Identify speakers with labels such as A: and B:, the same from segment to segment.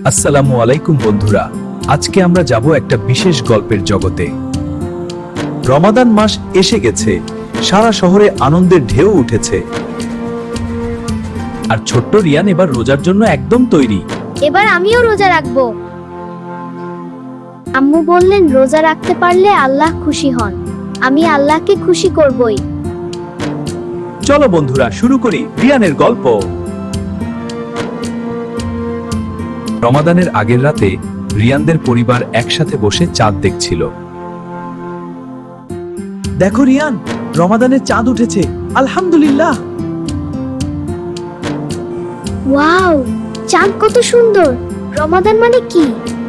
A: আসসালামু আলাইকুম বন্ধুরা, আজকে আমরা যাব একটা বিশেষ গল্পের জগতে। রমাদান মাস এসে গেছে, সারা শহরে আনন্দের ঢেউ উঠেছে। আর ছোট্ট রিয়ান এবার রোজার জন্য একদম তৈরি।
B: এবার আমিও রোজা রাখবো। আম্মু বললেন রোজা রাখতে পারলে আল্লাহ খুশি হন। আমি আল্লাহকে খুশি করবই।
A: চলো বন্ধুরা, শুরু করি রিয়ানের গল্প। রমাদানের আগের রাতে রিয়ানদের পরিবার একসাথে বসে চাঁদ দেখছিল। দেখো রিয়ান, রমাদানের চাঁদ উঠেছে, আলহামদুলিল্লাহ।
B: ওয়াও, চাঁদ কত সুন্দর। রমাদান মানে কি?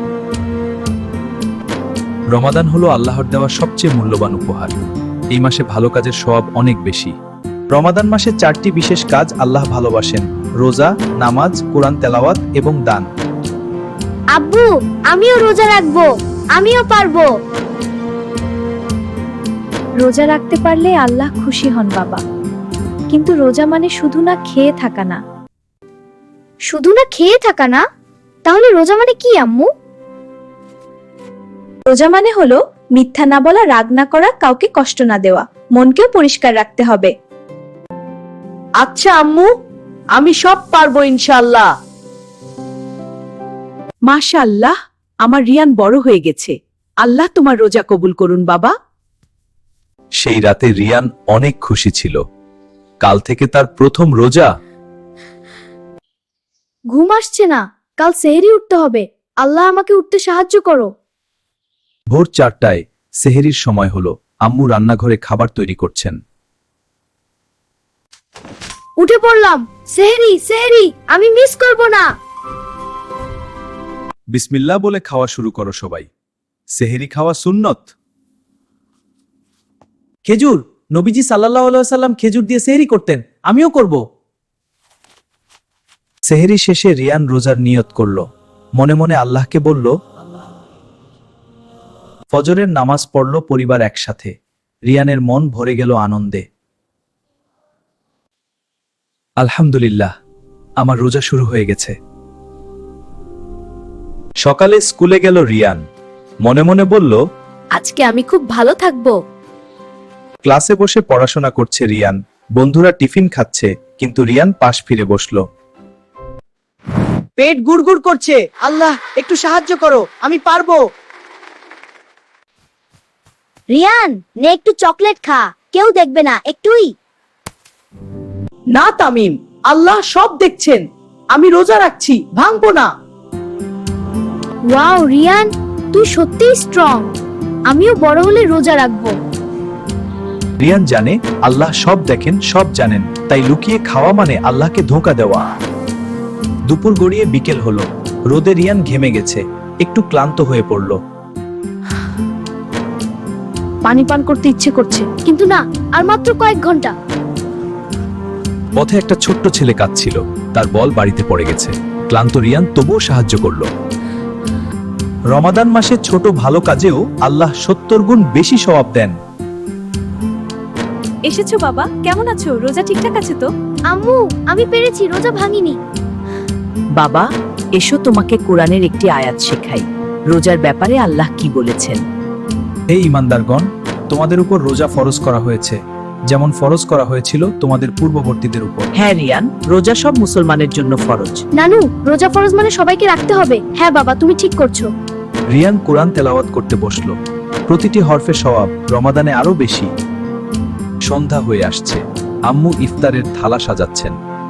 A: রমাদান হলো আল্লাহর দেওয়া সবচেয়ে মূল্যবান উপহার। এই মাসে ভালো কাজের সওয়াব অনেক বেশি। রমাদান মাসে 4টি বিশেষ কাজ আল্লাহ ভালোবাসেন: রোজা, নামাজ, কোরআন তেলাওয়াত এবং দান।
B: আব্বু, আমিও রোজা রাখবো। আমিও পারবো।
C: রোজা রাখতে পারলে আল্লাহ খুশি হন বাবা। কিন্তু রোজা মানে শুধু না খেয়ে থাকা না।
B: শুধু না খেয়ে থাকা না? তাহলে রোজা মানে কি আম্মু?
C: রোজা মানে হলো মিথ্যা না বলা, রাগ না করা, কাউকে কষ্ট না দেওয়া, মনকেও পরিষ্কার রাখতে হবে।
D: আচ্ছা আম্মু, আমি সব পারবো ইনশাআল্লাহ।
C: মাশাআল্লাহ, আমার রিয়ান বড় হয়ে গেছে। আল্লাহ তোমার রোজা কবুল করুন বাবা।
A: সেই রাতে রিয়ান অনেক খুশি ছিল। কাল থেকে তার প্রথম রোজা।
B: ঘুম আসছে না, কাল সেহরি উঠতে হবে। আল্লাহ আমাকে উঠতে সাহায্য করো।
A: ভোর 4টায় সেহরির সময় হলো। আম্মু রান্নাঘরে খাবার তৈরি করছেন।
B: উঠে পড়লাম। সেহরি সেহরি, আমি মিস করব না।
A: বিসমিল্লাহ বলে খাওয়া শুরু করো সবাই। সেহরি খাওয়া সুন্নত।
D: খেজুর, নবীজি সাল্লাল্লাহু আলাইহি ওয়াসাল্লাম খেজুর দিয়ে সেহরি করতেন, আমিও করব।
A: সেহরি শেষে রিয়ান রোজার নিয়ত করল। মনে মনে আল্লাহকে বলল। ফজরের নামাজ পড়ল পরিবার একসাথে। রিয়ানের মন ভরে গেল আনন্দে। আলহামদুলিল্লাহ, আমার রোজা শুরু হয়ে গেছে। সকালে স্কুলে গেল রিয়ান। মনে মনে বলল,
C: আজকে আমি খুব ভালো থাকবো।
A: ক্লাসে বসে পড়াশোনা করছে রিয়ান। বন্ধুরা টিফিন খাচ্ছে, কিন্তু রিয়ান পাশ ফিরে বসল।
D: পেট গুড়গুড় করছে, আল্লাহ একটু সাহায্য করো, আমি পারবো।
B: রিয়ান, নে একটু চকলেট খা, কেউ দেখবে না, একটুই।
D: না তামিম, আল্লাহ সব দেখছেন। আমি রোজা রাখছি, ভাঙবো না।
B: ওয়াও রিয়ান, তুই সত্যিই স্ট্রং। আমিও বড় হলে রোজা রাখবো।
A: রিয়ান জানে আল্লাহ সব দেখেন, সব জানেন, তাই লুকিয়ে খাওয়া মানে আল্লাহকে ধোঁকা দেওয়া। দুপুর গড়িয়ে বিকেল হলো। রোদে রিয়ান ঘেমে গেছে, একটু ক্লান্ত হয়ে পড়ল।
B: পানি পান করতে ইচ্ছে করছে, কিন্তু না, আর মাত্র কয়েক ঘন্টা।
A: পথে একটা ছোট্ট ছেলে কাঁদছিল। তার বল বাড়িতে পড়ে গেছে। ক্লান্ত রিয়ান তবুও সাহায্য করল। রমাদান মাসে ছোট ভালো কাজেও আল্লাহ 70 গুণ বেশি সওয়াব দেন।
C: এসেছো বাবা, কেমন আছো? রোজা ঠিকঠাক আছে তো?
B: আম্মু, আমি পেরেছি, রোজা ভাঙিনি।
E: বাবা, এসো তোমাকে কোরআনের একটি আয়াত শেখাই। রোজার ব্যাপারে আল্লাহ কি বলেছেন?
A: হে ঈমানদারগণ, তোমাদের উপর রোজা ফরজ করা হয়েছে, যেমন ফরজ করা হয়েছিল তোমাদের পূর্ববর্তীদের উপর।
E: হ্যাঁ রিয়ান, রোজা সব মুসলমানের জন্য ফরজ।
B: নানু, রোজা ফরজ মানে সবাইকে রাখতে হবে। হ্যাঁ বাবা, তুমি ঠিক করছো।
A: রিয়ান কোরআন তেলাওয়াত করতে বসল। প্রতিটি হরফে সওয়াব, রমাদানে আরো বেশি। সন্ধ্যা হয়ে আসছে। আম্মু ইফতারের থালা সাজাচ্ছেন।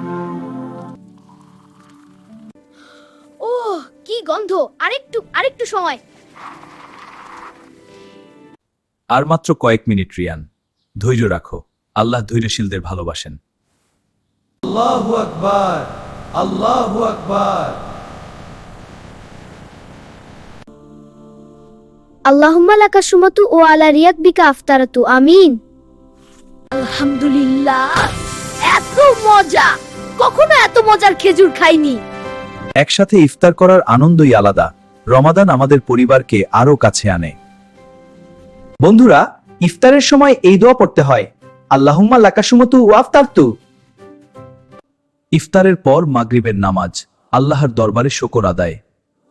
B: ও কি গন্ধ! আরেকটু সময়।
A: আর মাত্র কয়েক মিনিট রিয়ান, ধৈর্য রাখো। আল্লাহ ধৈর্যশীলদের ভালোবাসেন।
F: আল্লাহু আকবার, আল্লাহু আকবার।
B: আল্লাহুম্মা লাকা সুমাতু ও আলা রিয়াক বিকা আফতারাতু, আমিন।
C: আলহামদুলিল্লাহ, এত মজা! কখনো এত মজার খেজুর খাইনি।
A: একসাথে ইফতার করার আনন্দই আলাদা। রমাদান আমাদের পরিবারকে আরো কাছে আনে।
D: বন্ধুরা, ইফতারের সময় এই দোয়া পড়তে হয়, আল্লাহুম্মা লাকা সুমতু ওয়া আফতারতু।
A: ইফতারের পর মাগরিবের নামাজ, আল্লাহর দরবারে শুকর আদায়।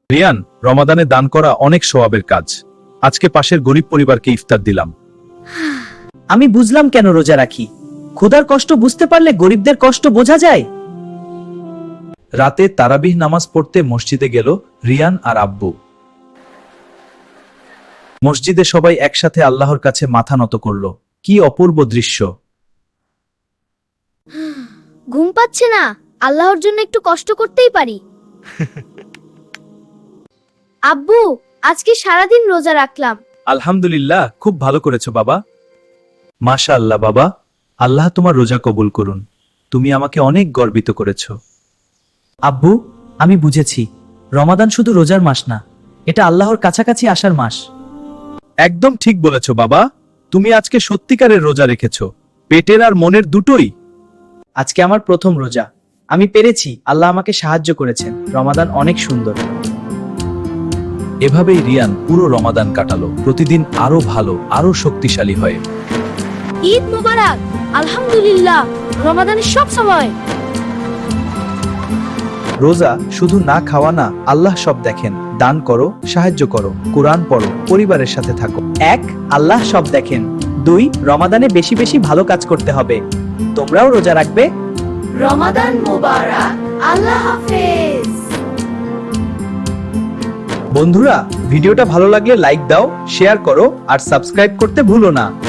A: রিয়ান, রমাদানে দান করা অনেক সওয়াবের কাজ। আজকে পাশের গরিব পরিবারকে ইফতার দিলাম।
D: আমি বুঝলাম কেন রোজা রাখি। ক্ষুধার কষ্ট বুঝতে পারলে গরিবদের কষ্ট বোঝা যায়।
A: রাতে তারাবিহ নামাজ পড়তে মসজিদে গেল রিয়ান আর আব্বু। মসজিদে সবাই একসাথে আল্লাহর কাছে মাথা নত করল। কি অপূর্ব দৃশ্য!
B: ঘুম পাচ্ছে না, আল্লাহর জন্য একটু কষ্ট করতেই পারি। আব্বু, আজকে সারাদিন রোজা রাখলাম।
A: আলহামদুলিল্লাহ, খুব ভালো করেছো বাবা। মাশা আল্লাহ বাবা, আল্লাহ তোমার রোজা কবুল করুন। তুমি আমাকে অনেক গর্বিত করেছো।
D: আব্বু, আমি বুঝেছি, রমাদান শুধু রোজার মাস না, এটা আল্লাহর কাছাকাছি আসার মাস।
A: একদম ঠিক বলেছো বাবা। তুমি আজকে সত্যিকারের রোজা রেখেছো, পেটের আর মনের দুটোই।
D: আজকে আমার প্রথম রোজা। আমি পেরেছি, আল্লাহ আমাকে সাহায্য করেছেন। রমাদান অনেক সুন্দর।
A: এভাবেই রিয়ান পুরো রমাদান কাটালো, প্রতিদিন আরো ভালো, আরো শক্তিশালী হয়ে।
B: ঈদ মোবারক। আলহামদুলিল্লাহ, রমাদানের সব সময়।
A: রোজা শুধু না খাওয়া না, আল্লাহ সব দেখেন। দান করো, সাহায্য করো, কোরআন পড়ো, পরিবারের সাথে থাকো।
D: 1, আল্লাহ সব দেখেন। 2, রমাদানে বেশি বেশি ভালো কাজ করতে হবে। তোমরাও রোজা রাখবে।
B: রমাদান মোবারক। আল্লাহ হাফেজ।
A: বন্ধুরা, ভিডিওটা ভালো লাগলে লাইক দাও, শেয়ার করো আর সাবস্ক্রাইব করতে ভুলো না।